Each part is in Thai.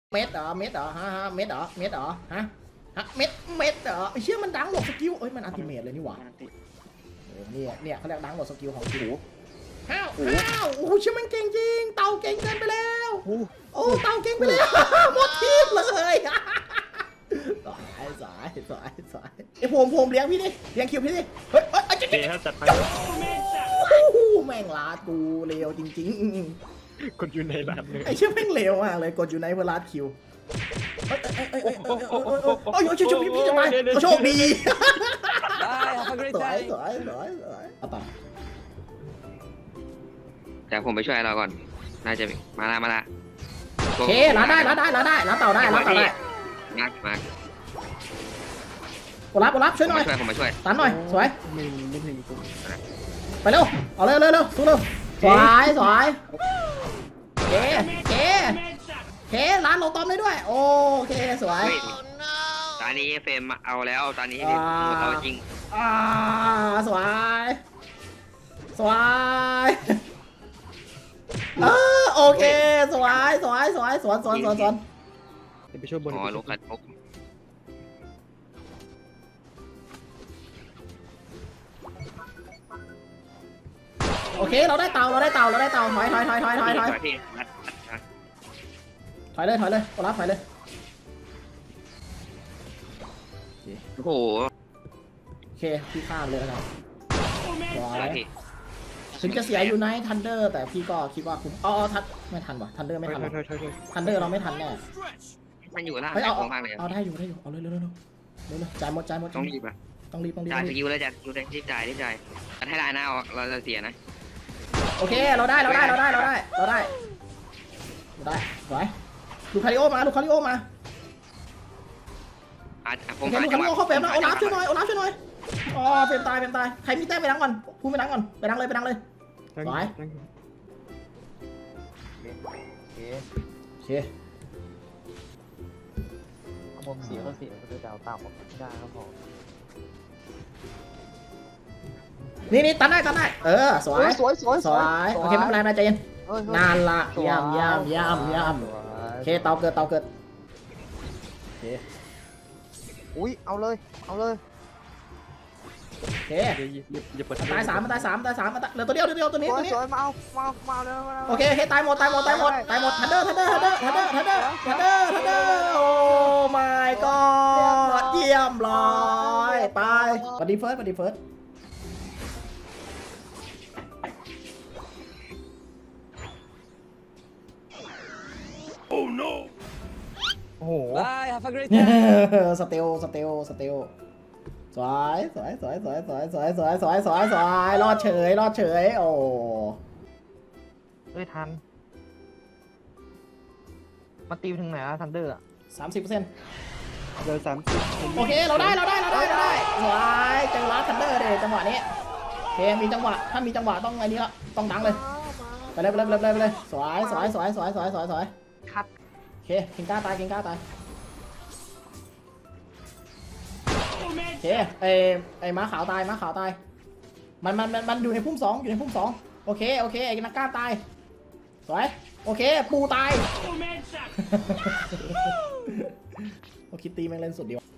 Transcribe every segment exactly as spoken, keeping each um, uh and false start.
เม็ดเหรอเม็ดเหรอฮะฮะเม็ดเหรอเม็ดเหรอฮะฮะเม็ดเม็ดเหรอไอ้เชี่ยมันดังหลบสกิลเอ้ยมันอัลติเมทเลยนี่หว่าโอ้เนี่ยเนี่ยเขาเรียกดังหลบสกิลของกูห้าวห้าวโอ้โหเชี่ยมันเก่งจริงเต่าเก่งเกินไปแล้วโอ้เต่าเก่งไปแล้วหมดทีมเลยสายสายสายสายไอ้ผมผมเลี้ยงพี่ดิเลี้ยงคิวพี่ดิเฮ้ยเฮ้ยเจ๊เจ๊จัดไปแม่งลาดกูเลวจริงๆคนอยู่ในร้านเลยไอ้เชี่ยแม่งเลวมากเลยกดอยู่ในเวลาคิวเอ้ยเอ้ยเอ้ยเอ้ยเอ้ยเอ้ยเอ้ยโอ้ยโชคพี่พี่จะมาโชคดีสวยสวยสวยสวยเอาต่อเดี๋ยวผมไปช่วยเราก่อนน่าจะมาละมาละโอเคล้าได้ล้าได้ล้าได้ล้าเต่าได้ล้าเต่าได้งักมากดรับกดรับช่วยหน่อยช่วยผมมาช่วยตันหน่อยสวยไม่ไม่ถึงกูไปเร็วเอาเร็วเร็วเร็วสู้เร็วสวยสวยเคเคเคร้านเราต้อมได้ด้วยโอเคสวยตอนนี้เฟรมเอาแล้วตอนนี้เอาจริงอ่าสวยสวยเออโอเคสวยสวยสวยสวนสวนสวนสวนจะไปช่วยบนอ๋อลูกขัดพกโอเคเราได้เตาเราได้เตาเราได้เตาถอยถอยถอยถอยถอยถอยถอยเลยถอยเลยกดรับถอยเลยโอ้โหโอเคพี่ข้ามเลยนะครับสวยพี่ถึงจะเสียอยู่ในทันเดอร์แต่พี่ก็คิดว่าคุ้มอ๋อทันไม่ทันว่ะทันเดอร์ไม่ทันถอยถอยถอยถอยทันเดอร์เราไม่ทันแน่มันอยู่ล่างเฮ้ยเอามากเลยเอาได้อยู่ได้อยู่เอาเลยเร็วเร็วเร็วเร็วเร็วจ่ายหมดจ่ายหมดต้องรีบอ่ะต้องรีบต้องรีบจ่ายสกิลเลยจ่ายสกิลเลยรีบจ่ายรีบจ่ายให้ได้นะเราจะเสียนะโอเคเราได้เราได้เราได้เราได้เราได้เราได้สวยลูคาริโอมาลูคาริโอมาอ่ะผโอมเคลูคาริโอเข้าเฟรมนะโอลาฟช่วยหน่อยโอลาฟช่วยหน่อยอ๋อเฟรมตายเฟรมตายใครมีแต้มไปดังก่อนพูดไปดังก่อนไปดังเลยไปดังเลยถอยโอเคผมเสียก็เสียก็จะเอาต่ำไม่ได้ครับผมนี่นี่ตันได้ตันได้เออสวยสวยสวยสวยโอเคไม่เป็นไรไม่ใจเย็นนานละย่ำย่ำย่ำย่ำโอเคเตาเกิดเตาเกิดโอเคอุ้ยเอาเลยเอาเลยโอเคอย่าเปิดตายสามตายสามตายสามเหลือตัวเดียวตัวเดียวตัวนี้สวตัยวนี้สวยมาเอามาเอามาเอาเลยมาโอเคโอเคตายหมดตายหมดตายหมดตายหมดทันเดอร์ทันเดอร์ทันเดอร์ทันเดอร์ทันเดอร์ทันเดอร์ทันเดอร์ทันเดอร์โอ้ my god เยี่ยมร้อยไปบัดดี้เฟิร์สบัดดี้เฟิร์สโอ้โห Bye, have a great สเตลสเตลสเตลสวยสวยสวยสวยสวยสวยสวยสวยสวยสวยรอดเฉยรอดเฉยโอ้เอ้ยทันมาตีถึงไหนอะทันเดอร์อะสามสิบเปอร์เซ็นต์เดินสามสิบโอเคเราได้เราได้เราได้เราได้สวยเจอลัสทันเดอร์เลยจังหวะนี้โอเคมีจังหวะถ้ามีจังหวะต้องไงนี้ละต้องดังเลยไปเลยไปเลยไปเลยไปเลยสวยสวยสวยสวยสวยสวยสวยคัดโอเคกิงก้าตายกิงก้าตายโอเคไอไอม้าขาวตายม้าขาวตายมันมันมันมันอยู่ในพุ่มสองอยู่ในพุ่มสองโอเคโอเคไอ้นักกล้าตายสวยโอเคปูตายโอคิตตี้แม่งเล่นสุดดีวะ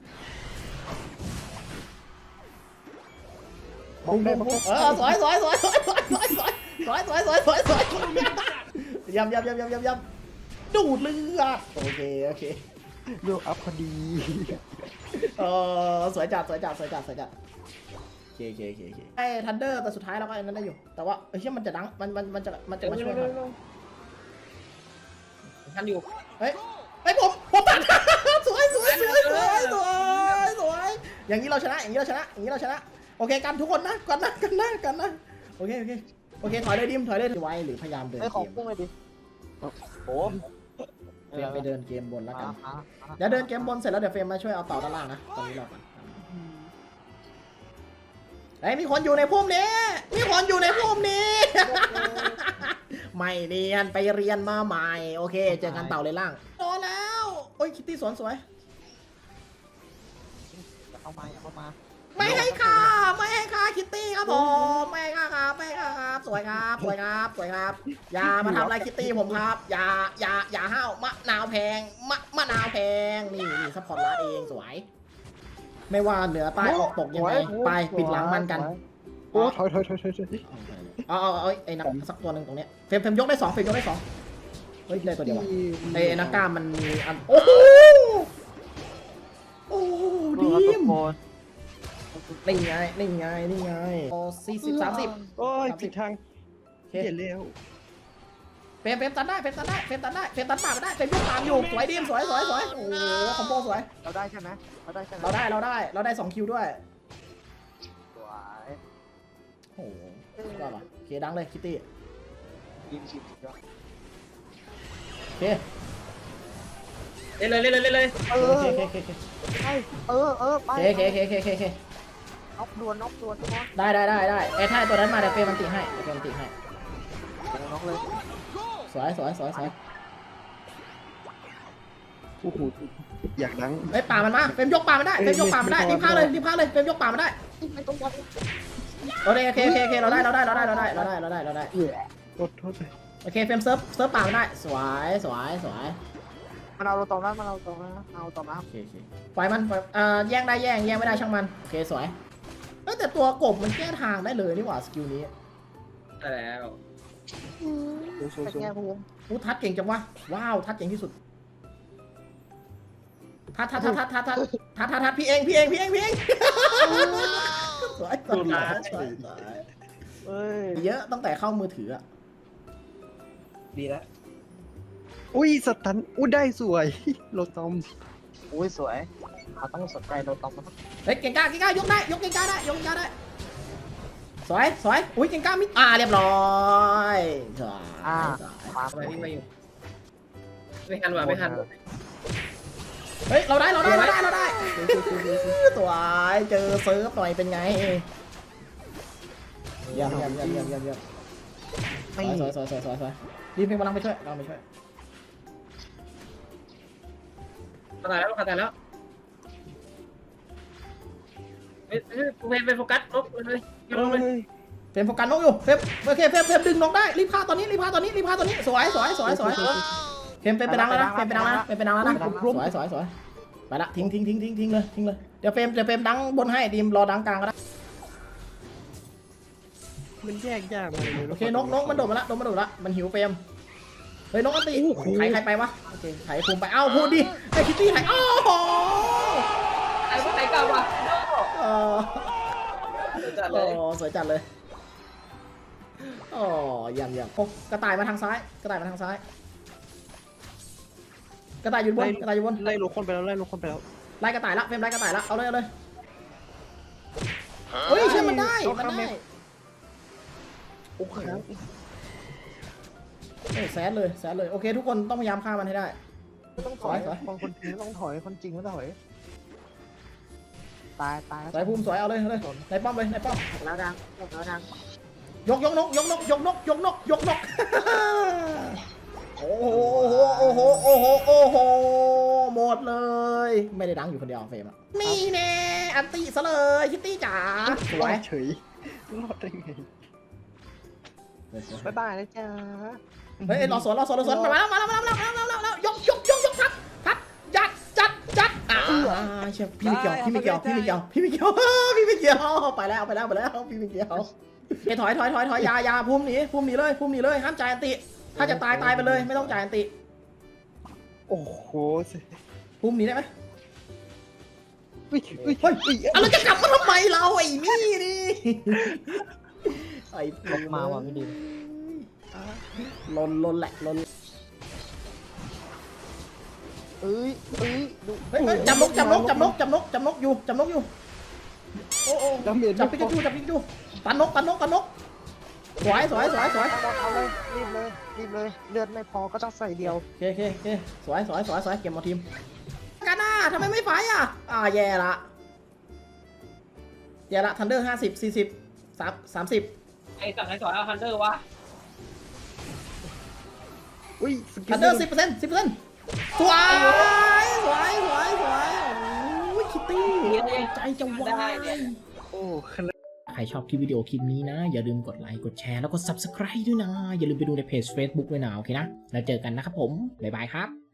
บุ้งบุ้งบุ้งเออสวยสวยสวยสวยสวยสวยสวยสวยสวยสวยสวยสวยยำยำยำยำยำยำดูดเลือดโอเคโอเคเลือกอัพพอดีเออสวยจัดสวยจัดสวยจัดสวยจัดโอเคโอเคโอเคโอเคไอ้ทันเดอร์แต่สุดท้ายเราก็อันนั้นได้อยู่แต่ว่าเฮ้ยมันจะดังมันมันมันจะมันจะมาช่วยเราทันอยู่เฮ้ยเฮ้ยผมผมตัด สวยสวยสวยสวยสวยสวยอย่างนี้เราชนะอย่างนี้เราชนะอย่างนี้เราชนะโอเคกันทุกคนนะกันนะกันนะกันนะโอเคโอเคโอเคถอยเลยดิมถอยเลยไว้หรือพยายามเดินไอ้เกของมพุ่งเลยดิโอ้เฟรมไปเดินเกมบนแล้วกันเดี๋ยวเดินเกมบนเสร็จแล้วเดี๋ยวเฟรมมาช่วยเอาต่อด้านล่างนะตอนนี้รอก่อนไอ้มีคนอยู่ในพุ่มนี้มีคนอยู่ในพุ่มนี้ ไม่เนียนไปเรียนมาใหม่โอเคเจอกันเต่าเลยล่างโดนแล้วโอ้ยคิตตี้สวนสวยเข้ามาอย่าเข้ามาไม่ให้ค่าไม่ให้ค่าคิตตี้ครับผมแม่ค่ะครับแม่ค่ะครับสวยครับสวยครับสวยครับอย่ามาทำอะไรคิตตี้ผมครับอย่าอย่าอย่าห้าวมะนาวแพงมะมะนาวแพงนี่นี่ซัพพอร์ตร้านเองสวย ไม่ว่าเหนือใต้ออกตกยังไงไปปิดหลังมันกันโอ้ถอยถอยถอยถอยถอยเอาเอาเอาไอ้นักสักตัวหนึ่งตรงเนี้ยเฟรมเฟรมยกได้สองเฟรมยกได้สองเฮ้ยได้ตัวเดียวไอ้นักกล้ามมันมีอันโอ้โหโอ้โหดูดีครับทุกคนนี่ไงนี่ไงนี่ไงโอ้สี่สิบสามสิบโอ้ยผิดทางโอเคเห็นแล้วเฟรมเฟรมตัดได้เฟรมตัดได้เฟรมตัดได้เฟรมตัดป่าไม่ได้เฟรมยกตามอยู่สวยดีมสวยสวยสวยโอ้โหคอมโบสวยเราได้ใช่ไหมเราได้ใช่ไหมเราได้เราได้เราได้สองคิวด้วยสวยโอ้โหว่าป่ะโอเคดังเลยคิตตี้ยิงชิบสุดยอดโอเคเล่นเลยเล่นเลยเล่นเลยเอโออเคโอเคโอเคโอเคไปเออเออไปโอเคโอเคโอเคโอเคโอเคน็อกดวนน็อกดวนทุกคนได้ได้ได้ได้ไอ้ถ้าตัวนั้นมาเดี๋ยวเฟรมมันติให้เดี๋ยวเฟรมมันติให้น็อกเลยสวยสวยสวยสวยโอ้โหอยากดังเฮ้ยป่ามันมาเฟรมยกป่ามันได้เฟรมยกป่ามันได้รีบพาเลยรีบพาเลยเฟรมยกป่ามันได้ไม่ต้องบอลโอเคโอเคโอเคโอเคเราได้เราได้เราได้เราได้เราได้เราได้เราได้โทษโทษเลยโอเคเฟรมเซิร์ฟเซิร์ฟป่ามันได้สวยสวยสวยมันเอาเราตรงนั้นมันเอาตรงนั้นเอาตรงนั้นโอเคโอเคปล่อยมันปล่อยเอ่อแย่งได้แย่งแย่งไม่ได้ช่างมันโอเคสวยเอ้ยแต่ตัวกบมันแก้ทางได้เลยนี่หว่าสกิลนี้ได้แล้วโซ่โซ่เป็นโซ่ไงภูมิอู้ทัดเก่งจังวะว้าวทัดเก่งที่สุดทัดทัดทัดทัดทัดทัดทัดทัดทัดพี่เองพี่เองพี่เองพี่เองสวยสวยสวยสวยสวยเอ้ยเยอะตั้งแต่เข้ามือถืออะดีแล้วอุ้ยสตันอุ้ยได้สวยโลตอมอุ้ยสวยเราต้องสนใจเราต้องมันเฮ้ยเก่งกล้าเก่งกล้ายกได้ยกเก่งกล้าได้ยกเก่งกล้าได้สวยสวยอุ้ยเก่งกล้ามิดอ่าเรียบร้อยสวยสวยความทำไมวิ่งมาอยู่ไม่ทันว่ะไม่ทันเฮ้ยเราได้เราได้เราได้เราได้สวยเจอเซิร์ฟหน่อยเป็นไงเยี่ยมเยี่ยมเยี่ยมเยี่ยมเยี่ยมเยี่ยมไม่สวยสวยสวยสวยสวยรีบเพลงกำลังไปช่วยเราไปช่วยขาตายแล้วขาตายแล้วเฮ้ยเฮ้ยเพนเป็นโฟกัสลบเลยลงเลยเฟรมโฟกัสนกอยู่เฟรมโอเคเฟรมเฟรมดึงนกได้รีบพาตอนนี้รีบพาตอนนี้รีบพาตอนนี้สวยสวยสวยสวยเฟรมเป็นไปดังแล้วนะเฟรมเป็นดังแล้วนะเฟรมเป็นดังแล้วนะสวยสวยสวยไปละทิ้งทิ้งทิ้งทิ้งทิ้งเลยทิ้งเลยเดี๋ยวเฟรมเดี๋ยวเฟรมดังบนให้ดีมรอดังกลางก็ได้มันแยกยากมากเลยโอเคนกนกมันโดดมาละโดดมาโดดละมันหิวเฟรมเฮ้ยนกอันตีใครใครไปวะโอเคไถภูมิไปเอ้าพูดดิไอ้คิตตี้ไถโอ้โหไอ้พวกไหนกลับวะเออจัดเลโอ้ยสวยจัดเลยโอ้เยี่ยมเยี่ยมโอ้กระต่ายมาทางซ้ายกระต่ายมาทางซ้ายกระต่ายอยู่บนกระต่ายอยู่บนไล่โลคนไปแล้วไล่โลคนไปแล้วไล่กระต่ายละเฟรมไล่กระต่ายละเอาเลยเอาเลยเฮ้ยเชื่อมันได้มันได้โอ้ครับโอ้แซดเลยแซดเลยโอเคทุกคนต้องพยายามฆ่ามันให้ได้ต้องถอยถอยคนคนจริงต้องถอยคนจริงก็ถอยตายตายสายภูมิสวยเอาเลยเอาเลยในป้อมเลยในป้อมแล้วดังแล้วดังยกยกนกยกนกยกนกยกนกยกนกโอ้โหโอ้โหโอ้โหโอ้โหหมดเลยไม่ได้ดังอยู่คนเดียวเฟรมอะนี่แน่อันตีซะเลยคิตตี้จ๋าร สอวยดเฉยรอดได้ไงบ๊ายบายนะจ๊ะเฮ้ยรอสวนรอสวนรอสวนมาแล้วมาแล้วมาแล้วมาแล้วมาแล้วมาแล้วยกยกยกยกทัดทัดจัดจัดจัดอ่าเชี่ยพี่ไม่เกี่ยวพี่ไม่เกี่ยวพี่ไม่เกี่ยวพี่ไม่เกี่ยวพี่ไม่เกี่ยวไปแล้วไปแล้วไปแล้วพี่ไม่เกี่ยวเฮ้ยถอยถอยถอยถอยยายาภูมิหนีภูมิหนีเลยภูมิหนีเลยห้ามจ่ายอันติถ้าจะตายตายไปเลยไม่ต้องจ่ายอันติโอ้โหภูมิหนีได้ไหมเฮ้ยเฮ้ยเฮ้ยเฮ้ยเอาเราจะกลับมาทำไมเราไอ้นี่นี่ไอ้ลงมาว่ะพี่ดิมลนลนแหละลนเอ้ยเอ้ยดูเฮ้ยเฮ้ยจับนกจับนกจับนกจับนกจับนกอยู่จับนกอยู่โอ้โอ้ดาเมจจับปิกาจูจับปิกาจูปันนกปันนกปันนกสวยสวยสวยสวยเอาเลยรีบเลยรีบเลยเลือดไม่พอก็ต้องใส่เดียวโอเคโอเคโอเคสวยสวยสวยสวยเก็บหมดทีมกันหน้าทำไมไม่ไฟอ่ะอ่าแย่ละแย่ละทันเดอร์ห้าสิบสี่สิบสามสามสิบไอ้สั่งไอ้สอนเอาฮันเตอร์วะอุ้ยสกิทัลนเดอร์สิบเปอร์เซ็นต์สิบเปอร์เซ็นต์สวยสวยสวยสวยโอ้ยคิตตี้ใจจะวายโอ้ขนาดใครรชอบคลิปวิดีโอคลิปนี้นะอย่าลืมกดไลค์กดแชร์แล้วก็ ซับสไครบ์ ด้วยนะอย่าลืมไปดูในเพจ เฟซบุ๊ก ด้วยนะโอเคนะแล้วเจอกันนะครับผมบ๊ายบายครับ